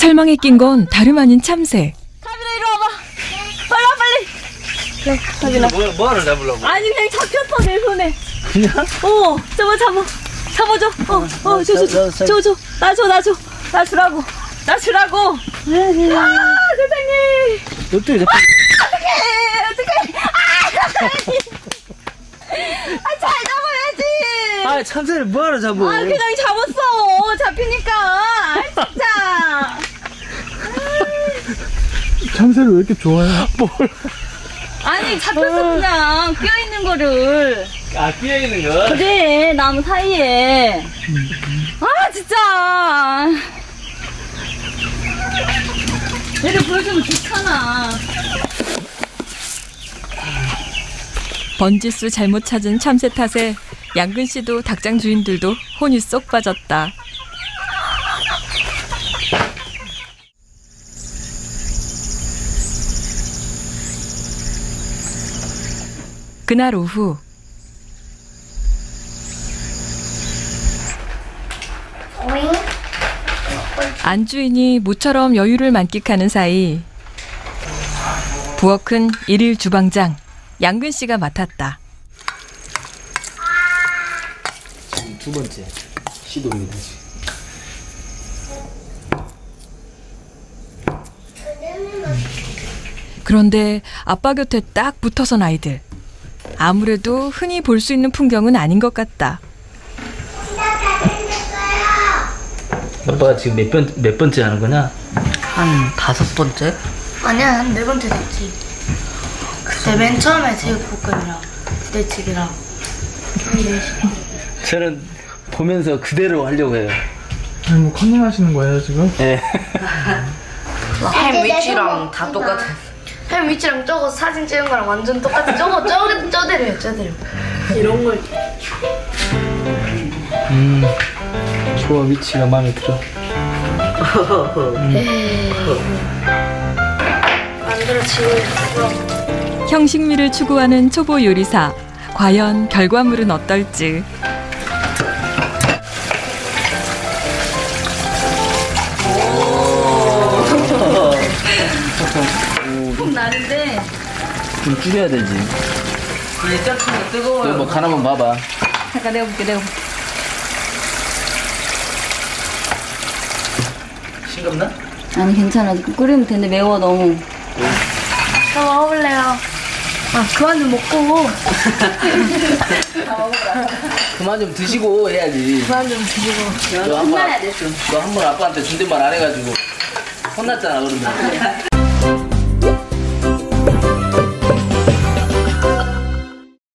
철망에 낀 건 다름 아닌 참새. 가빈아 이리 와봐. 빨리 와 빨리. 그래 가빈아. 뭐를 잡으려고? 아니 그냥 잡혔어 내 손에. 그냥? 잡아줘. 줘. 나 주라고. 세상에. 어떻게 잡혀? 어떡해. 잘 잡아야지. 참새를 뭐하러 잡어? 그냥 잡았어. 잡히니까. 진짜. 참새를 왜 이렇게 좋아해? 아니 잡혔어 그냥 끼어있는 거를. 끼어있는 거? 그래 나무 사이에. 진짜. 얘를 보여주면 좋잖아. 번지수 잘못 찾은 참새 탓에 양근 씨도 닭장 주인들도 혼이 쏙 빠졌다. 그날 오후 안주인이 모처럼 여유를 만끽하는 사이 부엌은 일일 주방장 양근 씨가 맡았다. 지금 두 번째 시도입니다. 그런데 아빠 곁에 딱 붙어선 아이들. 아무래도 흔히 볼 수 있는 풍경은 아닌 것 같다. 아빠가 지금 몇 번째 하는 거냐? 한 5번째? 아니야, 한 4번째 됐지. 그때 맨 처음에 제육볶음이랑 부대찌개랑 저는 보면서 그대로 하려고 해요. 아니 뭐 컨닝 하시는 거예요 지금? 네. 햄 위치랑 다 똑같아. 햄 위치랑 저거 사진 찍은 거랑 완전 똑같아. 저대로요. 이런 걸 좋아, 위치가 마음에 들어. 만들어지고 있어. 형식미를 추구하는 초보 요리사. 과연 결과물은 어떨지. 좀 나는데. 좀 줄여야 되지. 이제 ጨ치면 뜨거워요. 뭐 간 한번 봐봐. 잠깐 내가 볼게. 싱겁나? 아니 괜찮아. 끓이면 되는데 매워 너무. 저 먹어볼래요. 그만 좀 먹고. 그만 좀 드시고 해야지. 그만 좀 드시고. 너 한 번 아빠한테 존댓말 안 해가지고 혼났잖아 그러면.